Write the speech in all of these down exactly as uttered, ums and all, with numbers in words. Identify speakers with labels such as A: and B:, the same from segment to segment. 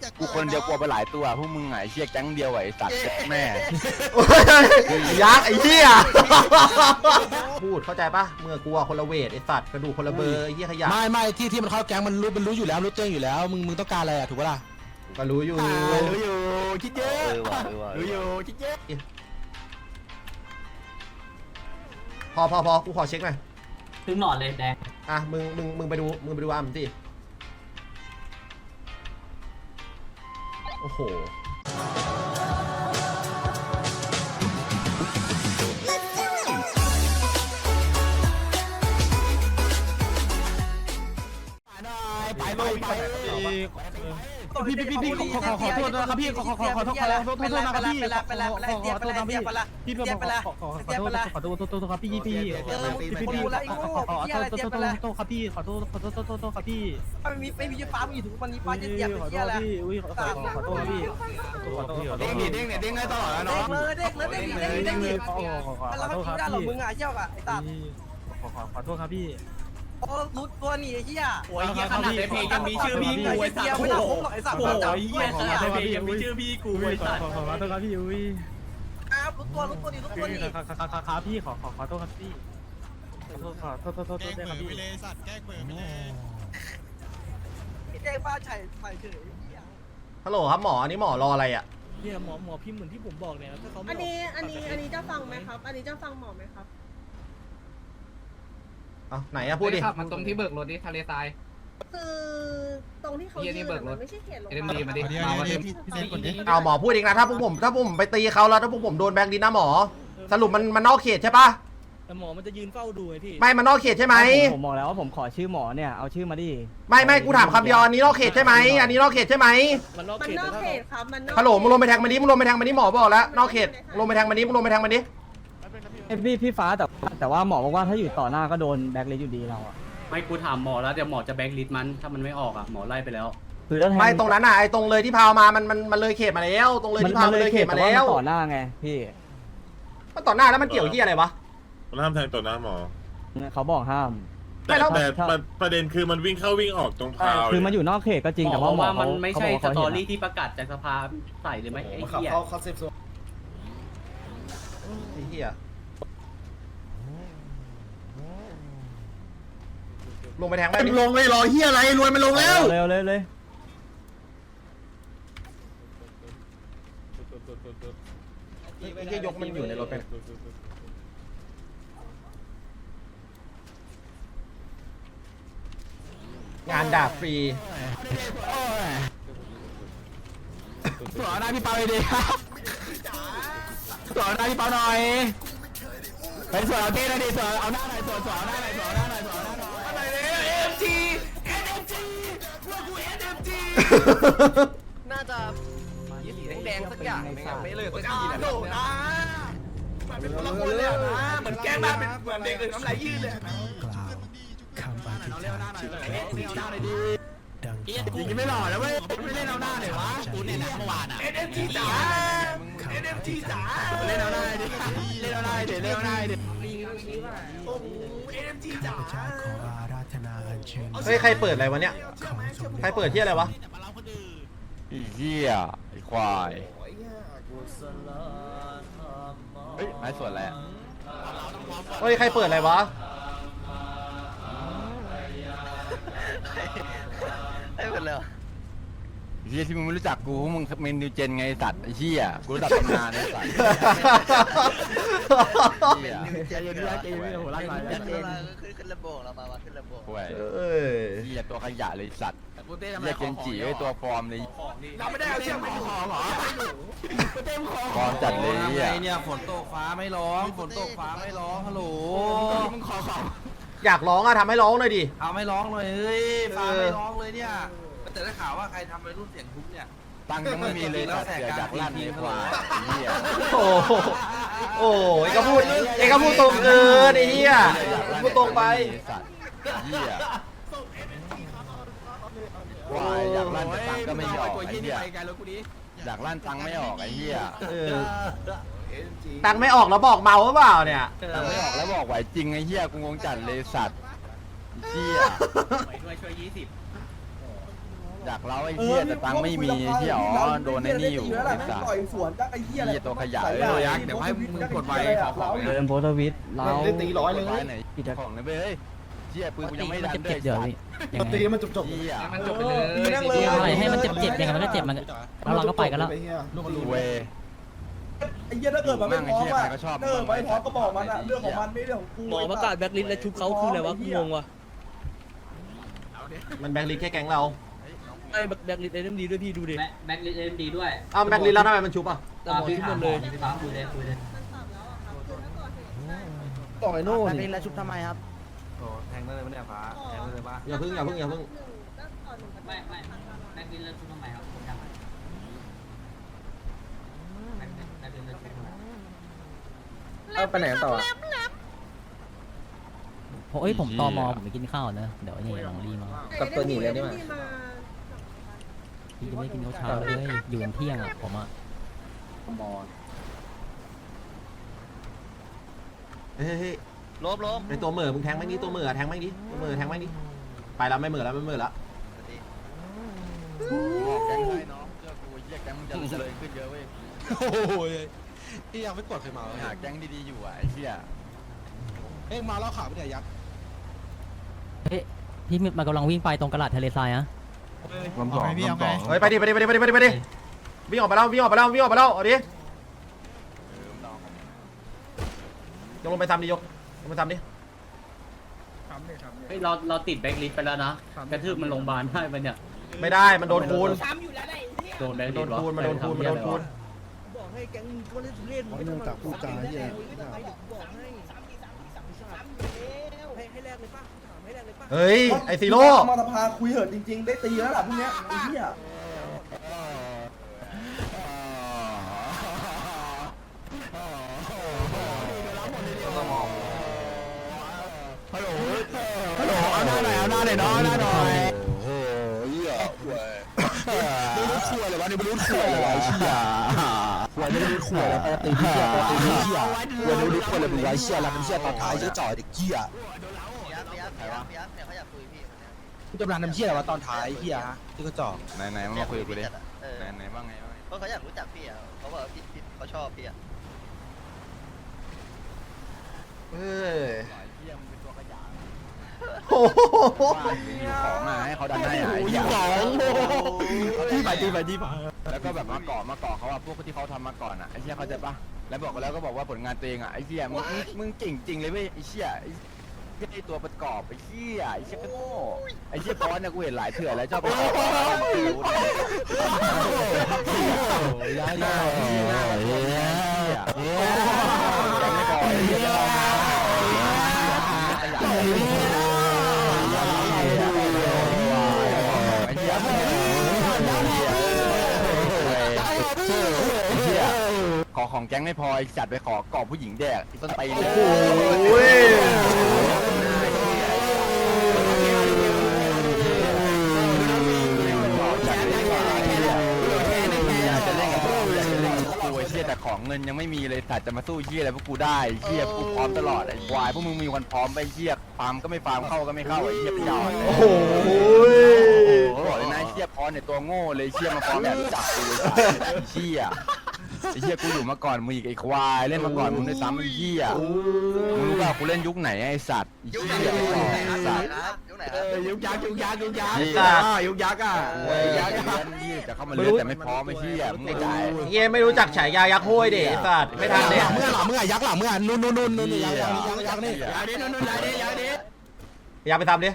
A: กูคนเดียวกลัวไปหลายตัวพวกมึงไงเชี่ยแก๊งเดียวไอ้สัตว์แม่
B: ยักษ์ไอ้เหี้ยพูดเข้าใจปะเมื่อกลัวคนละเวทไอ้สัตว์กระดูกคนละเบอร์ไอ้เหี้ยขยะ
C: ไม่ไม่ที่ที่มันเข้าแก๊งมันรู้มันรู้อยู่แล้วรู้ตัวอยู่แล้วมึงมึงต้องการอะไรอ่ะถูกปะล่ะ
B: ก็รู้อยู่
A: รู้อยู่คิดเยอะรู้อยู่คิดเยอะ
B: พอพอพอกูขอเช็คหน่อย
D: ถึงหนอนเลยแดง
B: อ่ะมึงมึงมึงไปดูมึงไปดูอัมสิโอ้โห
C: ไปเลยไปพี่พี่พี่พี่ขอขอขอโทษนะครับพี่ขอขอขอขอโทษขอโทษขอโทษนะครับพี่ขอขอโทษนะพี่พี่ขอขอขอขอโทษขอโทษโทษครับพี่พี่พี่พี่ขอขอขอโทษโทษโทษโทษครับพี่ขอโทษขอโทษโทษโทษครับพี่
E: ไม่มีไม่มีฟ้าอยู่ถึงวันนี้ฟ้าจะเจ็บเป็นเหี้ยแล้ว
C: อุ้ยขอขอขอโทษพี่ขอโทษ
A: เด้งดิเด้งเนี่ยเด้งได้ตลอดแล้วเนาะ
E: เด้งเลยเด้งเลยเด้งเลยเด้งเลยเราไม่คิดได้หรอกมึงอ่ะเชี่ยวอ่ะไอ้ตา
C: ขอขอขอโทษครับพี่
E: โอ้รู้ตัวหนีไอ้เหี้ย
D: โอ้ยเหี้ยขนาดในเพลงยังมีชื่อพี่กูไอ้สัตว์
E: ไม่น่าคงหรอกไอ้สัตว์โอ้
D: ยเหี้ยขนาดในเพลงยังมีชื่อพี่กูไอ้สัตว์
C: ขอขอโทษครับพี่อุ้ย
E: ครับรู้ตัวรู้ตัวนี่รู้ตัวนี่
C: ครับครับครับพี่ขอขอขอโทษครับพี่ขอโทษขอโทษโทษโทษโทษครับพี่
E: แกล้งเบอร์ไปเลยสัตว์แกล้งเบอร์ไปเลยแกล้งบ้าไฉไฉเฉย
B: ฮัลโหลครับหมออันนี้หมอรออะไรอ่ะ
C: เนี่ยหมอหมอพิมพ์เหมือนที่ผมบอกเนี่ยถ้าเขา
F: อันนี้อันนี้อันนี้จะฟังไหมครับอันนี้จะฟังหมอไหมครับ
B: เอาไหนอะพูดดิ
D: ขับมันตรงที่เบิกรถดิทะเลทราย
F: คือตรงที่เขายืนมันไม่ใช่เขตลง
D: มาดิมาดิมาดิ
B: เอาหมอพูดเองนะถ้าพวกผมถ้าพวกผมไปตีเขาแล้วถ้าพวกผมโดนแบงค์ดินนะหมอสรุปมันมันนอกเขตใช่ปะ
C: แต่หมอมันจะยืนเฝ้าดูไงพี่
B: ไม่มันนอกเขตใช่ไหม
G: ผมบอกแล้วว่าผมขอชื่อหมอเนี่ยเอาชื่อมาดิ
B: ไม่ไม่กูถามคำเดียวอันนี้นอกเขตใช่ไหมอันนี้นอกเขตใช่ไหม
F: มันนอกเขตครับมัน
B: ฮัลโหลมึงลงไปแทงมันดิมึงลงไปแทงมันดิหมอบอกแล้วนอกเขตลงไปแทงมันดิมึงลงไปแทงมันดิ
G: พี่พี่ฟ้าแต่แต่ว่าหมอบอกว่าถ้าอยู่ต่อหน้าก็โดนแบล็คลิสต์อยู่ดีเราอะ
D: ไม่กูถามหมอแล้วเดี๋ยวหมอจะแบล็คลิสต์มันถ้ามันไม่ออกอ่ะหมอไล่ไปแล้ว
G: คือ
B: ไม่ตรงนั้นอ่ะไอ้ตรงเลยที่พาวมามันมันมันเลยเขตมาแล้วตรงเลยที่พาวเลยเขตมาแล้ว
G: ต่อหน้าไงพี่
B: มันต่อหน้าแล้วมันเกี่ยวที่อะไรวะ
H: มันห้ามแทงต่อหน้าหมอ
G: เขาบอกห้าม
H: แต่แต่ประเด็นคือมันวิ่งเข้าวิ่งออกตรงพาว
G: คือมันอยู่นอกเขตก็จริงแต่ว่าหมอ
D: มันไม่ใช่สตอรี่ที่ประกาศจากสภาใส่เลยไหมไอ้เหี้ย
B: เขาเขาเซฟโซนไอ้เหี้ยลงไปแทงไป
C: ลงเลยรอเฮียอะไรรวยมันลงแล้ว
G: เร็วเลยเลย
B: ไอ้เหี้ยยกมันอยู่ในรถไปงานดาบฟรี
C: สอนหน้าพี่เปาเลยดิครับสอนหน้าพี่เปาหน่อยไปสอนเอาเต้หน่อยดิสอนเอาหน้าหน่อยสอนสอนหน้าหน่อยสอนหน้าหน่อยสอนหน้าหน่อยอะไรเนี่ยเอ็มจีเอ็มจีพวกกูเอ็มจี
E: น่าจะยี่สีแดงสักอย่างไม่งั้นไม่เลยสักทีแหละโดดนะมันเป็นคนละคนเลยนะเหมือนแกล้งมาเป็นเหมือนเด็กเลยน้ำลายยืดเลย
C: คำอธิษฐานที่พระผู้เจ้าดังยิงไม่หล่อแล้วเว้ยไม่เล่นเอาหน้าเลยวะกูเนี่ยนะเมื่อวานอ่ะ
E: เอ็มจีจ๋าเอ็มจีจ๋า
C: เล่นเอาหน้าดิเล่นเอาหน้าดิเล่นเอาหน้าดิ
E: โอ้เอ็มจีจ๋า
B: เฮ้ยใครเปิดอะไรวะเนี่ยใครเปิดที่อะไรวะ
A: ไอ้เหี้ยไอ้ควายเฮ้ยไม้ส่วนอะไร
B: เฮ้ยใครเปิดอะไรวะ
A: ไอ้เป็นเลยเฮียที่มึงไม่รู้จักกูมึงเมนนิวเจนไงสัตว์ไอ้เฮียกูรู้จักตำนานไอ้สัตว์เฮีย
C: ใจเย็นๆใจเย็นๆหัวไล่ไป
E: ขึ้นขึ้นระบบเรามาขึ้นระบบ
A: ห่วยเฮียตัวขยะเลยสัตว์เฮียเจนจีไอ้ตัวฟอร์มเลย
E: เราไม่ได้เอาเชือกมาห่อหรอ
A: ฟอร์มจัดเลยเฮีย
E: เนี่ยฝนตกฟ้าไม่ร้องฝนตกฟ้าไม่ร้องฮัลโหลมึงขอขอ
B: อยากร้องอะทำให้ร้องเลยดิ
E: เอาไม่ร้องเลยเฮ้ยฟ้าไม่ร้องเลยเนี่ยแต่ได้ข่าวว่าใครทำไปรุ่นเสียงทุ้มเนี่ย
A: ตังค์ยังไม่มีเลยแล้วเสียจากลั่นเลยกว่า
B: โอ้โหไอ้ก็พูดไอ้ก็พูดตรงเกินไอ้เหี้ยพูดตรงไป
A: เหี้ยควายอยากลั่นแต่ตังค์ก็ไม่ออกไอ้เหี้ยอยากลั่นตังค์ไม่ออกไอ้เหี้ย
B: ตังค์ไม่ออกแล้วบอกเมาหรือเปล่าเนี่ย
A: ตังค์ไม่ออกแล้วบอกไหวจริงไอ้เหี้ยกูงงจัดเลยสัตว์เหี้ย
D: ช่วยช่วยยี่สิบ
A: อยากเล่าไอ้เหี้ยแต่ตังค์ไม่มีเหี้ยอ๋อโดนไอ้นี่อยู่ไอ้สัตว์
I: ต่อยสวนจักไอ้เหี้ย
A: เหี้ยตัวขยะ
I: เออยักษ์เดี๋ยวให้มึงกดไว้ขอของ
G: เดินโพสต์ทวิตเรา
B: ได้ตีร้อยเลย
A: ไหนของเลยเว้ยเหี้ยปืนกูยังไม่ทันได้
G: เดี๋ยวพี่ยังไง
B: ตีมันจบจบ
A: เหี้ย
E: มันจบไปเลย
I: นั่งเลย
G: อะไรให้มันเจ็บเจ็บยังไงมันก็เจ็บมันแล้วเราก็ไปกันแล้ว
A: เว้ย
I: ไอ้เหี้ยถ้าเกิดมันไม่พร้อมอ่ะเออไม่พร้อมก็บอกมันอ่ะเรื่องของมันไม่เรื่องของกู
C: หมอประกาศแบ็คลิสต์และชุบเขาคืออะไรวะงงวะ
B: มันแบงค์ลิสแค่แก๊งเรา
C: ไอ้แบ็คลิสต์เอ็มดีด้วยพี่ดูดิ
D: แบ็คลิสเอ็มดีด้วย
B: อ้าวแบงค์ลิสแล้วทำไมมันชุบอ่ะ
C: แต่หมอชุบหมดเลย
D: พี่ปั๊มคุยเลยคุยเลย
C: ต่อยโน่น
G: แล้วชุบทำไมครับ
E: แทงได้เลยไม่ได้ฟ้าแทงได้เลยปะ
B: อย่าพึ่งอย่าพึ่งอย่าพึ่ง
D: ไม่ไม่แบ็คลิสแล้วชุบทำไมครับผมจำไม่แบ็คลิสแบ็คลิสแล้วชุบทำไม
C: เอาไปไหนต่อ
G: เฮ้ยผมตอมอผมไปกินข้าวนะเดี๋ยวนี่ลองรีมา
C: กับตัวหนีเลยนี่มา
G: พี่จะไม่กินข้าวเช้าเลยอยู่เที่ยงอ่ะผมอ่ะ
B: เฮ้ย
E: ลบลบ
B: ในตัวเหม่อมึงแทงแม่งนี้ตัวเหม่อแทงแม่งนี้ตัวเหม่อแทงแม่งนี้ไปแล้วไม่เหม่อแล้วไม่เหม่อแล้ว
A: บอกแก๊งได้น้องเชื่อกูเหี้ยแก๊งมึงจะเจริญขึ้นเยอะเว้ย
C: โอ้ยพี่ยังไม่กดใครมา
A: หาแก๊งดีๆอยู่อ่ะไอ้เหี้ย
C: เอ้ยมาแล้วขาไม่ได้ยักษ์
G: เฮ้ยพี่มันกำลังวิ่งไปตรงกระดาษทะเลทรายนะ
A: ลำสองลำสอง
B: เฮ้ยไปดิไปดิไปดิไปดิไปดิไปดิวิ่งออกไปแล้ววิ่งออกไปแล้ววิ่งออกไปแล้วเอาดิยกลงไปทำดิยกลงไปทำดิ
D: เฮ้ยเราเราติดแบ็คลิสไปแล้วนะกระทืบมันโรงพยาบาลได้ปะเนี่ย
B: ไม่ได้มันโดนคูณ
D: โดนแบ็ค
B: มัน
D: ลิ
B: โด
D: ส
B: นคูณมันโดนคูณมันโดนคูณ
C: บอกให้แก๊งก็เล่นเล่นไม่ต้องตักพูดจาเหี้ยบอกให้ให้ให้แรกเลยป่ะถามให้แรกเลยป่ะ
B: เฮ้ยไอซีโร่
I: มาสภาคุยเหอะจริงๆได้ตีแล้วล่ะพวกเนี้ยไอ้เหี้ย
A: ฮัลโหลฮัลโหลเอาหน้าหน่อยเอาหน้าหน่อยน้องเอาหน้าหน่อยโอ้โหเหี้ยเว้ยไม่รู้ขวดเลยวะนี่ไม่รู้ขวดเลยวะไอ้เหี้ยขวดไม่รู้ขวดแล้วตีเหี้ยตีเหี้ยขวดไม่รู้ขวดเลยมึงไว้เหี้ยแล้วมึงเหี้ยตอนท้ายเหี้ยจ่อยเด็กเหี้ย
C: พี่จำรานน้ำเชี่ยอะไรวะตอนท้ายเฮียฮะที่เขาจ่อ
A: ไหนไหนมาคุยกับกูดิไหนไหนบ้างไงบ้าง
E: เพราะเขาอยากรู้จักพี่อ่ะเขาบอกว่าพี่พี่เขาชอบพี่อ่ะ
B: เฮ้ย
A: เหี้ยมึงเป็นตัวขยะ
B: โอ้โห
A: ว่าอยู่ของมาให้เขาดันให้ไอ้เหี้ยที่ไปที่ไปที่ไปแล้วก็แบบมาเกาะมาเกาะเขาอะพวกที่เขาทำมาก่อนอะไอ้เหี้ยเขาใจปะแล้วบอกกันแล้วก็บอกว่าผลงานตัวเองอะไอ้เหี้ยมึงมึงเก่งจริงเลยเว้ยไอ้เหี้ยไอ้ตัวประกอบไอ้เหี้ยไอ้เหี้ยก็โง่ไอ้เหี้ยบอสเนี่ยกูเห็นหลายเถื่อนแล้วชอบไปขอยายาเหี้ยเหี้ยยังไม่พอไอ้เหี้ยขอของแก๊งไม่พอจัดไปขอกอบผู้หญิงแดกต้นตีเลย
B: โอ้ย
A: จะเล่นกับพวกอยากจะเล่นกับพวกกูไอ้เหี้ยแต่ของเงินยังไม่มีเลยแต่จะมาสู้เหี้ยอะไรพวกกูได้เหี้ยกูพร้อมตลอดไอ้ควายพวกมึงมีวันพร้อมไปเหี้ยฟาร์มก็ไม่ฟาร์มเข้าก็ไม่เข้าไอ้เหี้ยไปยาว
B: โอ้โห
A: โอ้โหบอกเลยนะไอ้เหี้ยพอเนี่ยตัวโง่เลยเหี้ยมาพร้อมแบบจับกูเลยเหี้ยไอ้เหี้ยกูอยู่มาก่อนมึงอีกไอ้ควายเล่นมาก่อนมึงด้วยซ้ำไอ้เหี้ยมึงรู้ป่ะกูเล่นยุคไหนไอ้สัตว์ไอ้
E: ยุค
A: เหี้
E: ไหน
A: ย
E: ครับ
A: ไอ้สัตว์
E: ยุคไหนค
C: เอ
E: รับ
C: อยุกยักยุกยักยุกยัก
B: ยุกยัก
C: ยุกยักอ่ะ
A: โอ้ยยักษ์จะเข้ามาเล่นแต่ไม่พร้อมไอ้เหี้ยมึงไม่จ่าย
B: เย้ไม่รู้จักฉายายักษ์ห้วยเด็สัตว์ไม่ทันเลย
C: เมื่อหลังเมื่อยักษ์หลังเมื่อนู่นนู่นนู่นนู่นยักษ์ยักษ์ยักษ์นี่ยักษ์นี่นู่นนู่นยักษ์นี่ยักษ์นี่
B: อยากไปทำดิ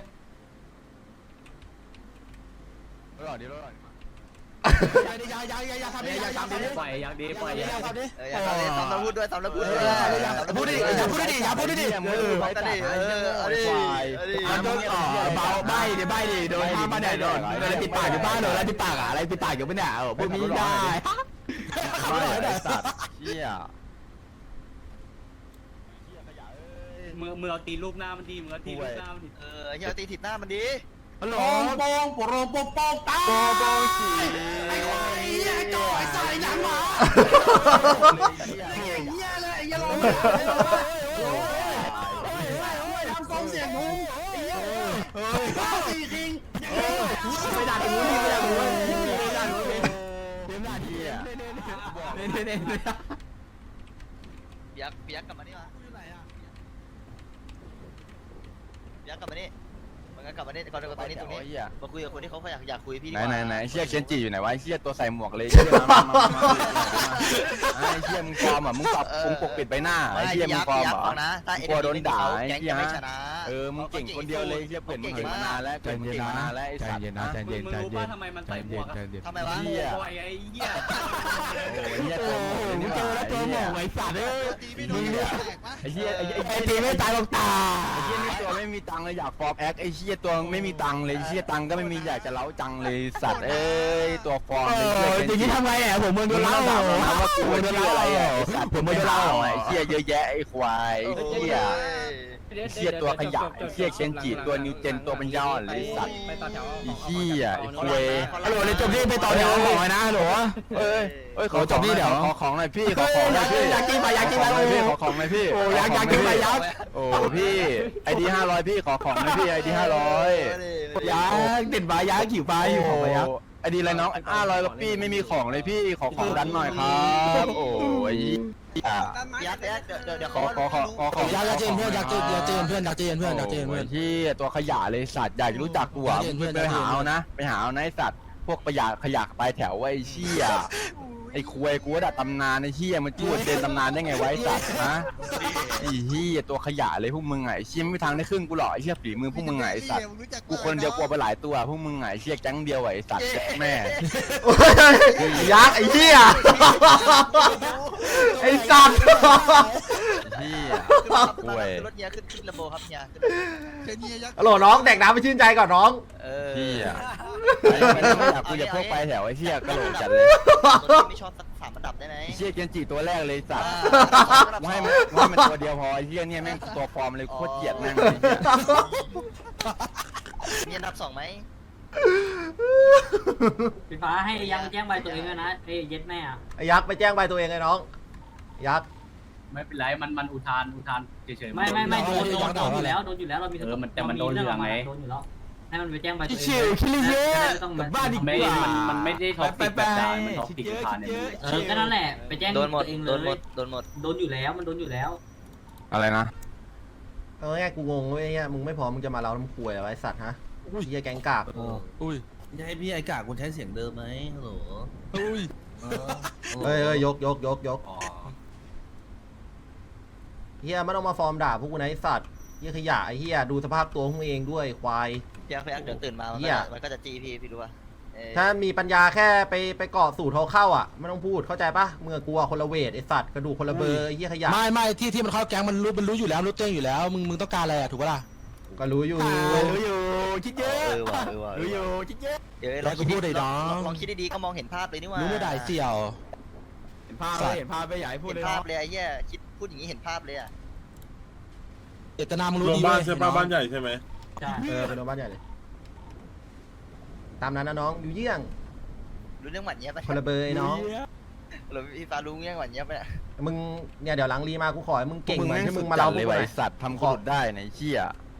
A: รอดิรอดิ
C: ยักษ์นี่ยักษ์ยักษ์ยักษ์ทำดิยักษ์ทำดิ
D: ปล่อยอยากดีปล่อยอยาก
C: ทำดิ
E: เอออยากทำเลยทำแล้วพูดด้วยทำแล้วพูดด้วย
C: พูดดิอย่าพูดดิอย่าพูดดิ
A: มึงรู้ไหมจ่ายเออไอ้ควาย
C: โดนต่อเบาใบดิใบดิโดนห้ามมาเนี่ยโดนโดนปิดปากอยู่บ้านโดนอะไรปิดปากอะอะไรปิดปากอยู่ไม่เนี่ยเออพูดไม่ได้
A: ไอ้สัตว์เหี้ย
D: มือมือเอาตีลูกหน้ามันดีมือเอาตีลูกหน้ามันดี
E: เออเฮียตีถิดหน้ามันดี
C: ฮัลโหลโป่งโป่งโป่งโป่งตา
A: โกโกสี
C: ไอ้ควายไอ้จ่อยใส่หนังหมาเฮียเลยอย่าลงมาทำกองเสียงงงเฮ้ยสี่คิงไม่ได้ไอ้งูนี่ไม่ได้
A: หี้ย
C: เน่เน่เน่เน่
E: เปียกเปียกกลับมานี่มาเปียกกลับมานี่มันก็กลับมานี่ก่อนก่อนตรงนี้ตรงนี้มาคุยกับคนที่เขาอยากอยากคุยพี่ดี
A: ไหน
E: กว่า
A: ไหนไหนเชี่ยเคนจิอยู่ไหนวะเชี่ยตัวใส่หมวกเลยเชี่ยมามามาไอ้เชี่ยมึงฟอร์มอ่ะมึงปรับมึงปกปิดใบหน้าไอ้เชี่ยมึงฟอร์มอ่ะ
E: นะถ้าเอ็น
A: กลัวโดนด่า
E: แก
A: ไอ้
E: ง
A: เชี่ย
E: จะไม่ชนะ
A: เออมึงเก่งคนเดียวเลยเชี่ยเปลี่ยนมึงเก่งมานานแล้วเก่งมานานแล้วไอ้สัตว์นะ
D: มึงมึงรู้ป่ะทำไมมันใส่หมวกอะ
E: ทำไมวะ
A: เหี้ย
D: โอ้ยไอ้เหี้ย
A: โอ้ยเชี่ยตัวหมวกนี่
C: เจอแล้วตัวหมองไอ้สัตว์เอ้ย
A: มึงเนี่ยไอ้เชี่ยไอ้ไอ้
C: ไอ้ตีไม่ตายหรอกตา
A: ไอ้เชี่ยนี่ตัวไม่มีตังค์เลยอยากฟอร์มแอคไอ้เชี่ยตัวไม่มีตังค์เลยเชี่ยตังค์ก็ไม่มีอยากจะเล้าจังเลยสัตว์เอ้ยตัวฟอร์ม
C: เอ
A: เลยเชี่ย
C: ออย่างนี้ทำไงอ่ะผมเมืองโดนเล่า
A: ถามว่ากู
C: เมืองโด
A: ชื่
C: น
A: อ
C: เล่า
A: อะไรอ่ะไอ้สัตว์
C: ผมเมืองโดนเล่า
A: ไอ้เชี่ยเยอะแยะไอ้ควายไอ้เชี่ยไอ้เชี่ยตัวขยะไอ้เชี่ยเชนจิตัวนิวเจนตัวปัญญาอ่อนเลยสัตว์
D: ไปต่อแถว
A: ไอ้เชี่ยไอ้คุย
C: ฮัลโหลเลยจบนี่ไปต่อแถวบอกเลยนะฮัลโหล
A: เอ้ยเอ้ยขอ
C: โอ้จบนี่เดี๋ยว
A: ขอของหน่อยพี่ขอของหน่อยพี่
C: อยากกินไปอยากกินไป
A: ขอของหน่อยพี่ขอของหน่อยพี่
C: โอ้อยากอยากกินไปยักษ์
A: โอ้พี่ไอดีห้าร้อยพี่ขอของหน่อยพี่ไอดีห้าร้อย
C: ยักษ์ติดใบยักษ์ขิวไปอยู่ของไปยักษ์
A: ไอดีอะไรน้องห้าร้อยแล้วพี่ไม่มีของเลยพี่ขอของดันหน่อยครับโอ้ย
E: ยักษ์ยักษ์เดี๋ยวเดี๋ยวเดี๋ยว
A: ขอขอขอขอขอ
C: ยักษ์ยักษ์เจนเพื่อนยักษ์เจนยักษ์เจนเพื่อนยักษ์เจนเพื่อนยักษ์เจนเพื่อน
A: ที่ตัวขยะเลยสัตว์อยากรู้จักกูอ่ะมึงไปหาเอานะไปหาเอานะไอสัตว์พวกประหยัดขยะปลายแถวไอ้เชี่ยไอ้คุยกูว่าดัดตำนานไอ้เชี่ยมันจูดเดินตำนานได้ไงไว้สัตว์นะไอ้เชี่ยตัวขยะเลยพวกมึงไงไอ้เชี่ยไม่มีทางได้ครึ่งกูหรอกไอ้เชี่ยฝีมือพวกมึงไงไอ้สัตว์กูคนเดียวกลัวไปหลายตัวพวกมึงไงไอ้เชี่ยแก๊งเดียวไอ้สัตว์แม่
B: ยักษ์ไอ้เหี้ยไอ้สัตว์
A: เชี่ย
E: คุยรถเนี้ยขึ้นขึ้นลำโบครับเนี้ย
B: ฮัลโหลน้องแดกน้ำไปชื่นใจก่อนน้อง
E: เออ
A: เชี่ยไม่อยากกูจะพวกไปแถวไอ้เชี่ยกระโหลกจัดเลย
E: ไม่ชอบสักสามระดับได้ไหม
A: ไอ้เชี่ยเกนจิตัวแรกเลยสัตว์กูให้มันกูให้มันตัวเดียวพอไอ้เชี่ยเนี่ยแม่งตัวฟอร์มเลยโคตรเกลียดแม่งเลย
E: มีอันดับสองไหม
D: พี่ฟ้าให้ยังแจ้งใบตัวเองด้วยนะไอ้เย็ดแม่อะ
B: ไอ้ยักษ์ไปแจ้งใบตัวเองไอ้น้องยักษ์
D: ไม่เป็นไรมันมันอุทานอุทานเฉยๆไม่ไม่ไม่โดนโดนโดนอยู่แล้วโดนอยู่แล้วเรามีเออมันแต่มันโดนเหลืองไงโดนอยู่แล้วให้มันไปแจ้งใบตัวเอง
C: ชิวคิริเยอะบ้านดีก
D: ไม่
C: ว่า
D: มันมันไม่ได้ท็อปปิกแบบด่ามันท็อปปิกอุทานเนี่ยเออก็นั่นแหละไปแจ้ง
E: โดนหมด
D: ตัวเองเล
E: โดนหม
D: ย
E: ดโดนหมด
D: โดนอยู่แล้วมันโดนอยู่แล้ว
A: อะไรนะ
B: เอาง่ายๆกูงงเว้ยเนี่ยมึงไม่พร้อมมึงจะมาเล่าน้ำควยอะไรไอ้สัตว์ฮะเหี้ยแกงกาก
A: อุ้ย
I: จะให้พี่ไอ้กาคุณใช้เสียงเดิมไหมฮัลโหล
A: อุ้ย
B: เฮ้ยเฮ้ยยกยกยกยกเฮียไม่ต้องมาฟอร์มด่าพวกกูนะไอ้สัตว์เฮียขยะไอ้เฮียดูสภาพตัวของมึงเองด้วยควาย
E: เพียงเพียงเดี๋ยวตื่นมามัน
B: เหี้
E: ก็
B: ย
E: จะมันก็จะจีพี่พี่รู้ป่ะเออ
B: ถ้ามีปัญญาแค่ไปไปเกาะสูตรเขาเข้าอ่ะไม่ต้องพูดเข้าใจปะเมื่อกูอะคนละเวทไอ้สัตว์กระดูกคนละเบอร์ไอ้เฮียขยะ
C: ไม่ไม่ที่ที่มันเข้าแก๊งมันรู้มันรู้อยู่แล้วรู้เต้งอยู่แล้วมึงมึงต้องการอะไรอ่ะถูกปะล่ะ
B: ก็รู้อยู่
C: รู้อยู่คิดเย
E: เอ
C: อะ
E: อว่ะเออว่ะ
C: รู้อยู่คิดเยอะ
E: เดี๋ยว
C: แล้ว
E: ลอง
C: กู
E: คิด
C: พูดได้
E: ล
C: น้
E: อ
C: อง ง
E: ลองคิดดีๆก็มองเห็นภาพเลยนี่ว่า
C: รู้ไม่ได้เสี่ยว
A: เห็นภาพเลยเห็นภาพไปใหญ่พูด
E: เห็
A: เลย
E: นภาพเลยไอ้เหี้ยคิดพูดอย่างนี้เห็นภาพเลยอ่ะ
C: เจตนามึงรู้
H: รวม
C: ดี
H: บ้าน
C: เว้ย
H: ใช่ป่ะบ้านใหญ่ใช่ไหม
D: ใช่
B: เออเป็นโรงพยาบาลใหญ่เลยตามนั้นนะน้องอยู่เยี่ยง
E: รู้เรื่องหวัดเนี้ยปะ
B: คนละเบอร์ไอ้น้อง
E: หรือพี่ฟ้ารู้เรื่องหวัดเนี้ยปะ
B: มึงเนี่ยเดี๋ยวหลังรีมากูขอให้มึงเก่ง
A: มึง
B: เหมือน
A: แม่ง
B: ที่
A: สุ
B: มึ
A: ด
B: งมา
A: จั
B: เล่า
A: ด
B: พ
A: เล
B: วย ก
A: ว่ะ
B: กูห
A: ไอ
B: น่อย
A: สัตว์ทำกูหลุดได้ในเชี่ย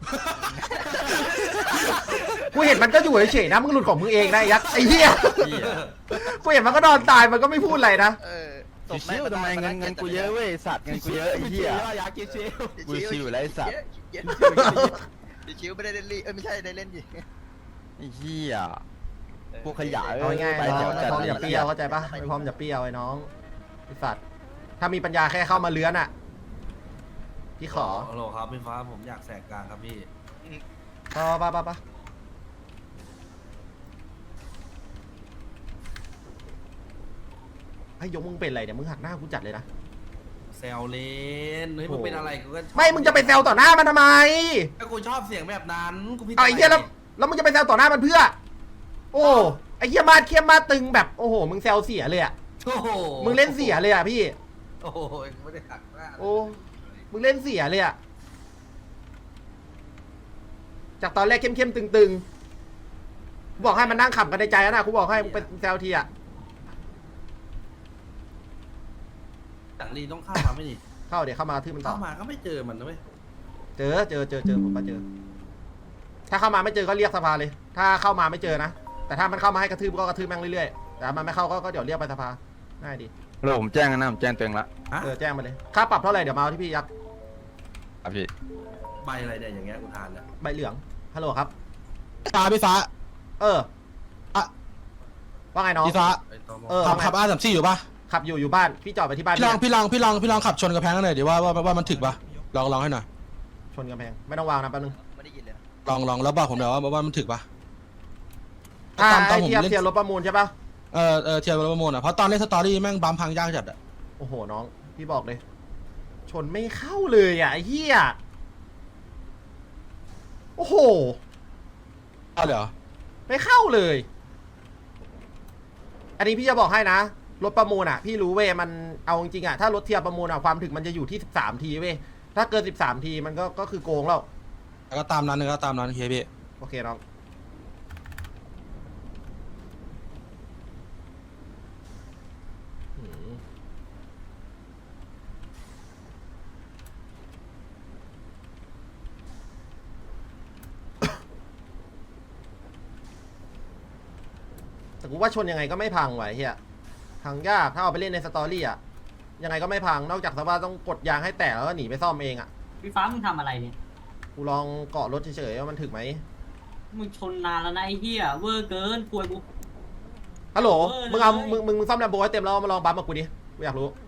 B: กูเห็นมันก็อยู่เฉยๆนะมึงหลุดของมึงเองนะไอ้ยักษ์ไอ้เหี้ยกูเห็นมันก็นอนตายมันก็ไม่พูดอะไรนะ
E: เออ
A: เชี่ยทำไมเงินเงินกูเยอะเว้ยสัตว์เงินกูเยอะไอ้เหี้ย
C: อยากกินชิว
A: กูชิวอยู่แล้วไอ้สัตว์
E: ชิวไม่ได้เล่นลีเออไม่ใช่ได้เล่นดิ
A: ไอ้เหี้ยพวกขยะ
B: เอาง่ายๆ
A: ไป
B: น้
A: แถ
B: อง
A: ว
B: ไม่
A: จัด
B: พร้อมอย่าเปรี้ยวเข้าใจปะไม่พร้อมอย่าเปรี้ยวไอ้น้องไอ้สัตว์ถ้ามีปัญญาแค่เข้ามาเลื้อนอ่ะพี่ขอ
I: ฮัลโหลครับพี่ฟ้าผมอยากแสกกลางครับพี่
B: ปะปะปะปะไอ้ยยกมึงเป็นอะไรเนี่ยมึงหักหน้ากูจัดเลยนะ
I: แซวเล่นเฮ้ยมึงเป็นอะไรกูก็ชอบ
B: ไม่มึงจะไปแซวต่อหน้ามันทำไม
I: ก็กูชอบเสียงแบบนั้นกูพี่
B: เอาไอ้เหี้ยแล้วแล้วมึงจะไปแซวต่อหน้ามันเพื่อ โอ้ไอ้เหี้ยมาดเข้มมาดตึงแบบโอ้โหมึงแซวเสียเลยอ่ะ
I: โอ้โห
B: มึงเล่นเสียเลยอ่ะพี่
I: โอ้โหไม่ได้หักหน้าเลย
B: โอ้ มึงเล่นเสียเลยอะจากตอนแรกเข้มๆตึงๆ บอกให้มันนั่งขำกันในใจแล้วนะกูบอกให้มึงเป็นแซวทีอะ
I: หลังรีต้องเข้ามาไหม่ดิ
B: เข้าเดี๋ยวเข้ามาทื่อมันต่
I: เข้า
B: อ
I: มาก็ไม่เจอมันนะเว้ย
B: เจอเจอเจอเจอผมมาเจอ ถ้าเข้ามาไม่เจอก็เรียกสภาเลย ถ้าเข้ามาไม่เจอนะ แต่ถ้ามันเข้ามาให้กระทืบก็กระทืบแม่งเรื่อยๆ แต่มันไม่เข้าก็ก็เดี๋ยวเรียกไปสภาง่ายดี
A: แล้วผมแจ้งกันนะผมแจ้งตัวเองละ
B: เออแจ้งมาเลยค่าปรับเท่าไหร่เดี๋ยวมาเอาที่พี่ยักษ์
A: ครับพี่
E: ใบอะไรเนี่ยอย่างเงี้ยอุทานเนี่ย
B: ใบเหลืองฮัลโหลครับ
C: ฟ้าพี่ฟ้า
B: เออ
C: อะ
B: ว่าไงน้อง
C: พี่ฟ้า
B: เออ
C: ขับ
B: ว่าไง
C: ขับอาร์สามสี่อยู่ปะ
B: ขับอยู่อยู่บ้านพี่จอดไปที่บ้าน
C: พี่ลองพี่ลองพี่ลองพี่ลองขับชนกระแพงกันหน่อยดิว่าว่าว่ามันถึกปะลองลองให้หน่อย
B: ชนกำแพงไม่ต้องวางนะแป๊บนึง
C: ลองลองแล้วบอกผมหน่อยว่าว่ามันถึกปะ
B: อ่า
C: ตามตาม
B: ไอ
C: ผม
B: เทียบ
C: เล่น
B: เทียบรถประมูลใช่ปะ
C: เออเออเทียบประมูลอ่ะเพราะตอนเล่นสตอรี่แม่งบัมพังยากจัดอ่ะ
B: โอ้โหน้องพี่บอกเลย ชนไม่เข้าเลยอ่ะไอ้เหี้ยโอ้โห
C: เอาเลยเหรอ
B: ไม่เข้าเลย อันนี้พี่จะบอกให้นะรถประมูลอ่ะพี่รู้เว้ยมันเอาจริงๆอ่ะถ้ารถเทียบประมูลอ่ะความถึงมันจะอยู่ที่สิบสามทีเว้ยถ้าเกินสิบสามทีมันก็ก็คือโกงแล้ว
C: แล้วก็ตามนั้นเลยก็ตามนั้นโอเคพี่
B: โอเคน้องหืมแต่กูว่าชนยังไงก็ไม่พังไหวะไอ้เฮียพังยากถ้าเอาไปเล่นในสตอรี่อะยังไงก็ไม่พังนอกจากสภาพต้องกดยางให้แตกแล้วก็หนีไปซ่อมเองอะ
D: พี่ฟ้ามึงทำอะไรเนี่ย
B: กูลองเกาะรถเฉยๆว่ามันถึกไหม
D: มึงชนนานแล้วนะไอ้เหี้ยเวอร์เกินกลัวกู
B: ฮัลโหล
D: เออเลย
B: มึงเอามึงมึงมึงซ่อมแลมโบให้เต็มแล้วมาลองบัมกับกูดิกูอยากรู้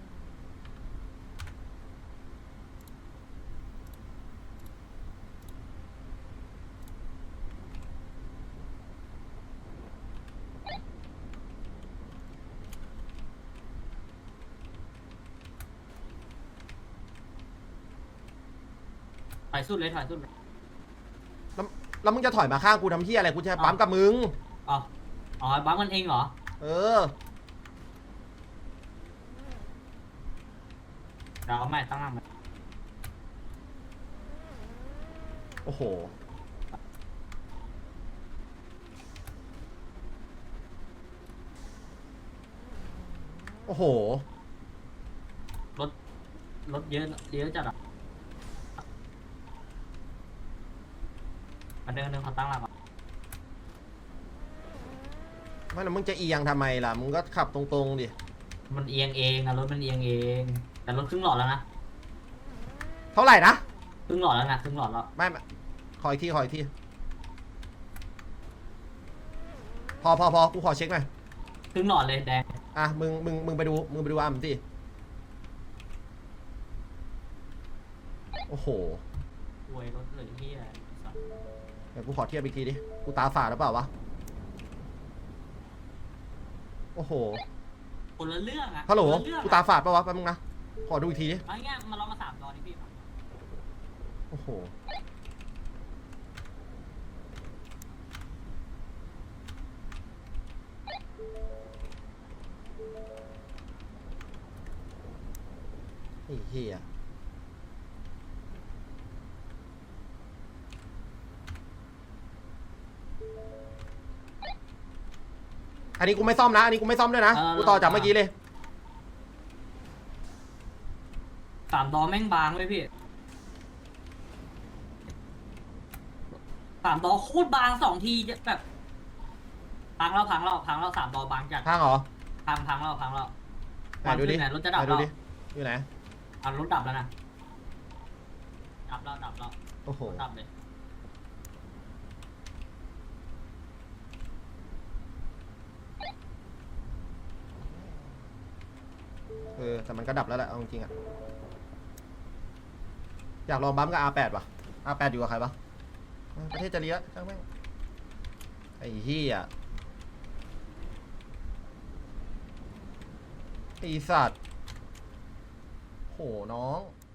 D: ถอยสุดเลยถอยสุดเลย
B: แล้วแล้วมึงจะถอยมาข้างกูทำเฮียอะไรกูจะปั๊มกับมึง
D: อ๋ออ๋อบังมันเองเหรอ
B: เออ
D: เดี๋ยวเอาใหม่ตั้งหลังใหม่
B: โอ้โห โอ้โห
D: รถรถเยอะเยอะจัดอ่ะมาเดินเดินขอตั้งหลังก่อน
B: ไม่แล้วมึงจะเอียงทำไมล่ะ มึงก็ขับตรงๆดิ
D: มันเอียงเองอะรถมันเอียงเองแต่รถครึ่งหลอดแล้วนะ
B: เท่าไหร่นะ
D: ครึ่งหลอดแล้วนะครึ่งหลอดแล้ว
B: ไม่ไม่ขออีกที ขออีกที พอพอพอกูขอเช็คหน่อย
D: ครึ่งหลอดเลยแดง
B: อ่ะ มึง มึง มึงไปดู มึงไปดูอัมสิ โอ้โห
D: อวยรถเลยที่อะไรสัตว์
B: เดี๋ยวกูขอเทียบอีกทีดิ กูตาฝาดหรือเปล่าวะ โอ้โห
D: คนละเรื่องอะ
B: ฮัลโหล
D: คนละเรื่อง
B: กูตาฝาดปะวะแป๊บนึงนะ ขอดูอีกทีดิ
D: เอาง่ายๆมาลองมาสามตอนดิพี่
B: โอ้โห ไอ้เหี้ย อันนี้กูไม่ซ่อมนะ อันนี้กูไม่ซ่อมด้วยนะ กูต่อจากเมื่อกี้เลย
D: สามดอแม่งบางเลยพี่สามดอโคตรบางสองทีจะแบบพังแล้วพังแล้วพังแล้วสามดอบางจัด
B: ข้างเหรอ
D: พังพังแล้วพังแล้ว
B: ไหนดูดิ
D: ไหนรถจะดับ
B: ไหนดู
D: แล้ว
B: ดิ อยู่ไหน
D: อ่ะรถดับแล้วนะดับแล้วดับแล้ว
B: โอ้โห
D: ดับเลย
B: เออ แต่มันก็ดับแล้วแหละ เอาจริงๆอะอยากลองบัมป์กับ อาร์ แปด ป่ะ อาร์ แปด อยู่กับใครปะเออประเทศจะเลี้ยช่างแม่ง ไอ้เหี้ยไอ้สัตว์โหน้อง